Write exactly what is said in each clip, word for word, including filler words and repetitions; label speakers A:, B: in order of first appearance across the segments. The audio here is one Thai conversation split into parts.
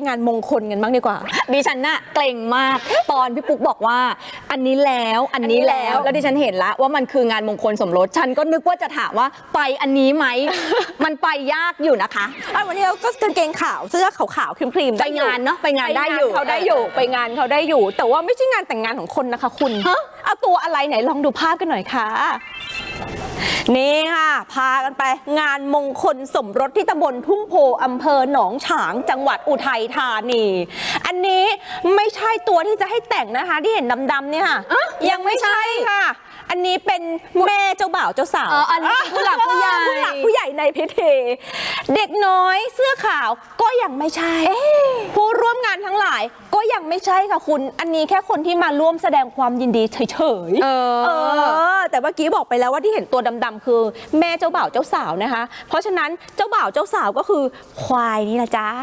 A: งานมงคลกันบ้างดีกว่า
B: ดิฉันน่ะเกรงมากตอนพี่ปุ๊กบอกว่าอันนี้แล้วอันนี้แล้วแล้วดิฉันเห็นแล้วว่ามันคืองานมงคลสมรสฉันก็นึกว่าจะถามว่าไปอันนี้ไหม มันไปยากอยู่นะคะ
A: วันนี้เราก็กางเกงขาวเสื้อขาวๆครีมๆ
B: ไปงานเนาะไปงานได้อยู่
A: เขาได้อยู่ไปงานเขาได้อยู่แต่ว่าไม่ใช่งานแต่งงานของคนนะคะคุณเอาตัวอะไรไหนลองดูภาพกันหน่อยค่ะนี่ค่ะพากันไปงานมงคลสมรสที่ตำบลทุ่งโพอำเภอหนองฉางจังหวัดอุทัยธานีอันนี้ไม่ใช่ตัวที่จะให้แต่งนะคะที่เห็นดำๆเนี่ยค่ะยังไม่ใช่ค่ะอันนี้เป็นแม่เจ้าบ่าวเจ้าสาว
B: อ๋ออันนี้ผู้หลักผู้ใหญ่
A: ผู้หลักผู้ใหญ่ในพิธีเด็กน้อยเสื้อขาวก็ยังไม่ใช่ผู้ร่วมงานทั้งหลายก็ยังไม่ใช่ค่ะคุณอันนี้แค่คนที่มาร่วมแสดงความยินดีเฉยๆเออแต่เมื่อกี้บอกไปแล้วว่าที่เห็นตัวดำๆคือแม่เจ้าบ่าวเจ้าสาวนะคะเพราะฉะนั้นเจ้าบ่าวเจ้าสาวก็คือควายนี่นะจ๊ะ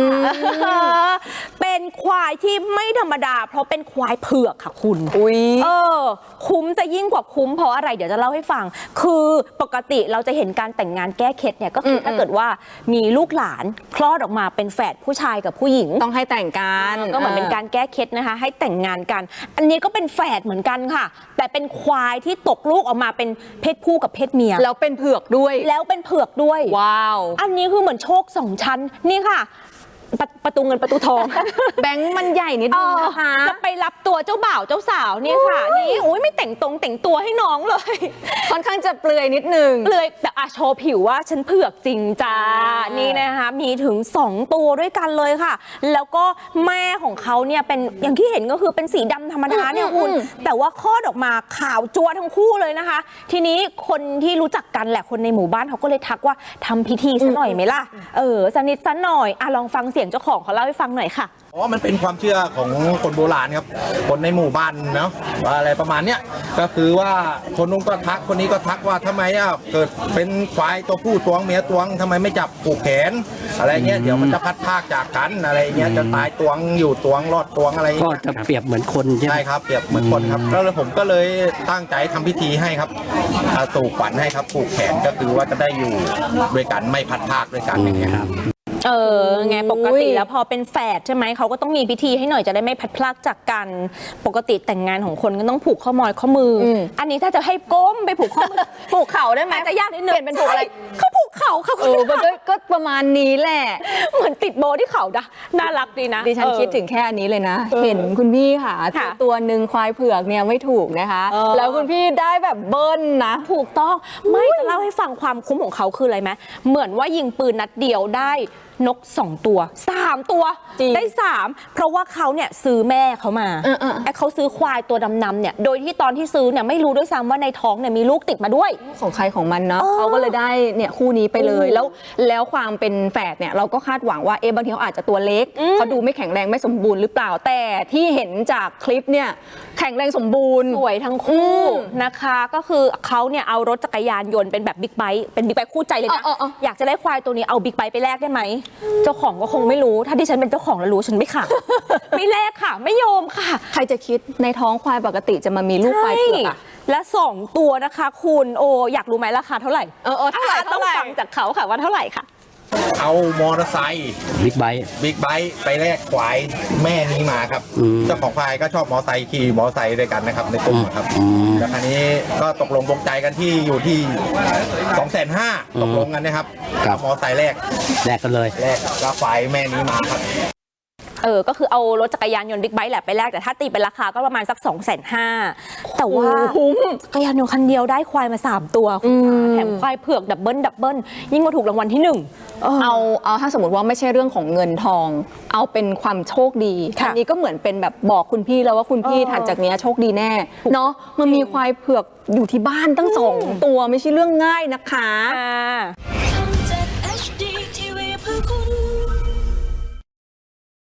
A: เป็นควายที่ไม่ธรรมดาเพราะเป็นควายเผือกค่ะคุณ
B: อุ้ย
A: เออคุ้มจะยิ่งกว่าคุ้มเพราะอะไรเดี๋ยวจะเล่าให้ฟังคือปกติเราจะเห็นการแต่งงานแก้เคล็ดเนี่ยก็คือถ้าเกิดว่ามีลูกหลานคลอดออกมาเป็นแฝดผู้ชายกับผู้หญิง
B: ต้องให้แต่งกัน
A: ก็เหมือนเป็นการแก้เคล็ดนะคะให้แต่งงานกันอันนี้ก็เป็นแฝดเหมือนกันค่ะแต่เป็นควายที่ตกลูกออกมาเป็นเพศผู้กับเพศเมีย
B: แล้วเป็นเผือกด้วย
A: แล้วเป็นเผือกด้วย
B: ว้าว
A: อันนี้คือเหมือนโชคสองชั้นนี่ค่ะประตูเงินประตูทอง
B: แบงค์มันใหญ่นิดนึงนะคะ
A: จะไปรับตัวเจ้าบ่าวเจ้าสาวนี่ค่ะนี่โอ้ยไม่แต่งตรงแต่งตัวให้น้องเลย
B: ค่อนข้างจะเปลือยนิดนึง
A: เปลือยแต่อะโชว์ผิวว่าฉันเผือกจริงจ้านี่นะคะมีถึงสองตัวด้วยกันเลยค่ะแล้วก็แม่ของเขาเนี่ยเป็นอย่างที่เห็นก็คือเป็นสีดำธรรมดาเนี่ยคุณแต่ว่าคลอดออกมาขาวจัวทั้งคู่เลยนะคะทีนี้คนที่รู้จักกันแหละคนในหมู่บ้านเขาก็เลยทักว่าทำพิธีซะหน่อยไหมล่ะเออสนิทซะหน่อยอ่ะลองฟังเสียงเจ้าของเขาเล่าให้ฟังหน่อยค่ะ
C: อ๋อมันเป็นความเชื่อของคนโบราณครับคนในหมู่บ้านเนาะว่าอะไรประมาณเนี้ยก็คือว่าคนนู้นก็ทักคนนี้ก็ทักว่าทำไมอ่ะเกิดเป็นควายตัวผู้ตวงเมียตวงทำไมไม่จับผูกแขนอะไรเงี้ยเดี๋ยวมันจะพัดพากจากกันอะไรเงี้ยจะตายตวงอยู่ตวงรอดตวงอะไร
D: ก็จะเปรียบเหมือนคนใช่ไหม
C: ใช่ครับเปรียบเหมือนคนครับแล้วผมก็เลยตั้งใจทำพิธีให้ครับสู่ขวัญให้ครับผูกแขนก็คือว่าจะได้อยู่ด้วยกันไม่พัดพากด้วยกันอย่างเงี้ยครับ
A: เออไงปกติแล้วพอเป็นแฝดใช่ไหมเขาก็ต้องมีพิธีให้หน่อยจะได้ไม่พัดพลากจากกันปกติแต่งงานของคนก็ต้องผูกข้อมอยข้อมืออันนี้ถ้าจะให้ก้มไปผูกข้อมือ
B: ผูกเข่าได้ไหม
A: จะยากนิดนึง
B: เปลี่ยนเป็นผูกอะไร
A: เขาผูกเข่าเขา
B: เออก็ประมาณนี้แหละ
A: เหมือนติดโบที่เข่าดะน่ารักดีนะ
B: ดิฉันคิดถึงแค่อันนี้เลยนะเห็นคุณพี่ค่ะตัวหนึ่งควายเผือกเนี่ยไม่ถูกนะคะแล้วคุณพี่ได้แบบเบิ้ลนะ
A: ถูกต้องไม่จะเล่าให้ฟังความคุ้มของเขาคืออะไรไหมเหมือนว่ายิงปืนนัดเดียวได้นกสองตัวสามตัวได้สามเพราะว่าเขาเนี่ยซื้อแม่เขามาไอ้เขาซื้อควายตัวดำๆเนี่ยโดยที่ตอนที่ซื้อเนี่ยไม่รู้ด้วยซ้ำว่าในท้องเนี่ยมีลูกติดมาด้วย
B: ของใครของมันเนาะเขาก็เลยได้เนี่ยคู่นี้ไปเลยแล้วแล้วความเป็นแฝดเนี่ยเราก็คาดหวังว่าเอ๊ะบางทีเขาอาจจะตัวเล็กเขาดูไม่แข็งแรงไม่สมบูรณ์หรือเปล่าแต่ที่เห็นจากคลิปเนี่ยแข็งแรงสมบูรณ์
A: สวยทั้งคู่นะคะก็คือเขาเนี่ยเอารถจักรยานยนต์เป็นแบบบิ๊กไบค์เป็นบิ๊กไบค์คู่ใจเลยนะอยากจะได้ควายตัวนี้เอาบิ๊กไบค์ไปแลกได้ไหมเจ้าของก็คงไม่รู้ถ้าดิฉันเป็นเจ้าของแล้วรู้ฉันไม่ค่ะไม่แลกค่ะไม่ยอมค่ะ
B: ใครจะคิดในท้องควายปกติจะมามีลูกควายเผือกอะ
A: และสองตัวนะคะคุณโออยากรู้ไหมราคาเท่าไหร่
B: เออเท่าไหร่
A: ต้องฟังจากเขาค่ะว่าเท่าไหร่ค่ะ
C: เอามอเตอร์ไซค์
D: บิ๊กไบค์
C: บิ๊กไบค์ไปแลกควายแม่นี้มาครับเจ้าของควายก็ชอบมอเตอร์ไซค์ขี่มอเตอร์ไซค์ด้วยกันนะครับในกลุ่มครับแล้วคราวนี้ก็ตกลงปรงใจกันที่อยู่ที่สองแสนห้าตกลงกันนะครับมอเตอร์ไซค์แลก
D: แลกกันเลย
C: แลกก็ควายแม่นี้มาครับ
A: เออก็คือเอารถจักรยานยนต์บิ๊กไบค์แหละไปแลกแต่ถ้าตีเป็นราคาก็ประมาณสักสองแสนห้าแต่ว่าจักรยานยนต์คันเดียวได้ควายมาสามตัวแถมควายเผือกดับเบิลดับเบิลยิ่งกว่าถูกรางวัลที่หนึ่ง
B: เอาเอาถ้าสมมติว่าไม่ใช่เรื่องของเงินทองเอาเป็นความโชคดีอันนี้ก็เหมือนเป็นแบบบอกคุณพี่แล้วว่าคุณพี่ถัดจากนี้โชคดีแน่เนาะมันมีควายเผือกอยู่ที่บ้านตั้งสองตัวไม่ใช่เรื่องง่ายนะคะ